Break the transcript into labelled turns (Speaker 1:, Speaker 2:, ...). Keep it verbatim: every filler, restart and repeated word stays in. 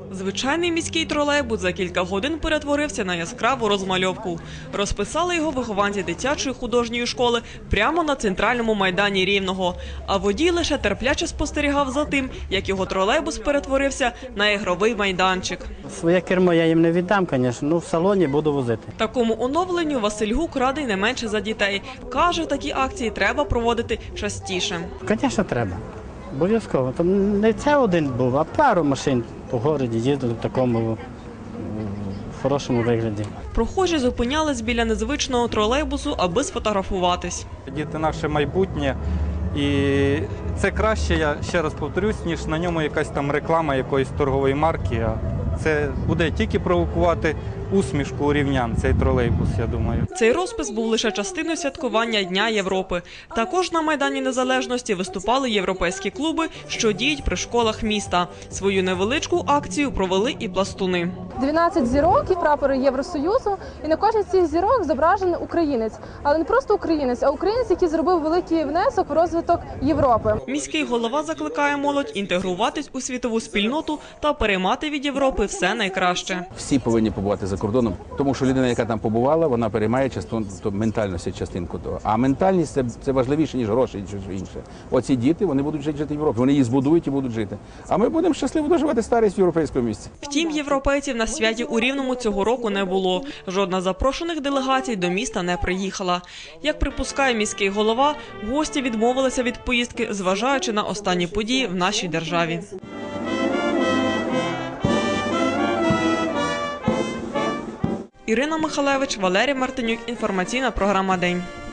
Speaker 1: Звичайний міський тролейбус за кілька годин перетворився на яскраву розмальовку. Розписали його вихованці дитячої художньої школи прямо на центральному майдані Рівного. А водій лише терпляче спостерігав за тим, як його тролейбус перетворився на ігровий майданчик.
Speaker 2: Своє кермо я їм не віддам, звісно, ну в салоні буду возити.
Speaker 1: Такому оновленню Василь Гук радий не менше за дітей. Каже, такі акції треба проводити частіше.
Speaker 2: Звісно, треба. Обов'язково. Там не це один був, а пару машин по городі їздили в такому в хорошому вигляді.
Speaker 1: Прохожі зупинялись біля незвичного тролейбусу, аби сфотографуватись.
Speaker 3: Діти – наше майбутнє. І це краще, я ще раз повторюсь, ніж на ньому якась там реклама якоїсь торгової марки. А це буде тільки провокувати усмішку у рівнян, цей тролейбус, я думаю.
Speaker 1: Цей розпис був лише частиною святкування Дня Європи. Також на Майдані Незалежності виступали європейські клуби, що діють при школах міста. Свою невеличку акцію провели і пластуни.
Speaker 4: дванадцять зірок і прапори Євросоюзу, і на кожній з цих зірок зображений українець. Але не просто українець, а українець, який зробив великий внесок в розвиток Європи.
Speaker 1: Міський голова закликає молодь інтегруватись у світову спільноту та переймати від Європи все найкраще.
Speaker 5: Всі повинні побувати за кордоном, тому що людина, яка там побувала, вона переймає частину ментальності, частинку того. А ментальність це, це важливіше, ніж гроші, і щось інше. Оці діти, вони будуть жити в Європі, вони її збудують і будуть жити. А ми будемо щасливо доживати старість в європейському місці.
Speaker 1: Втім, європейців на святі у Рівному цього року не було. Жодна з запрошених делегацій до міста не приїхала. Як припускає міський голова, гості відмовилися від поїздки, зважаючи на останні події в нашій державі. Ірина Михалевич, Валерій Мартинюк. Інформаційна програма «День».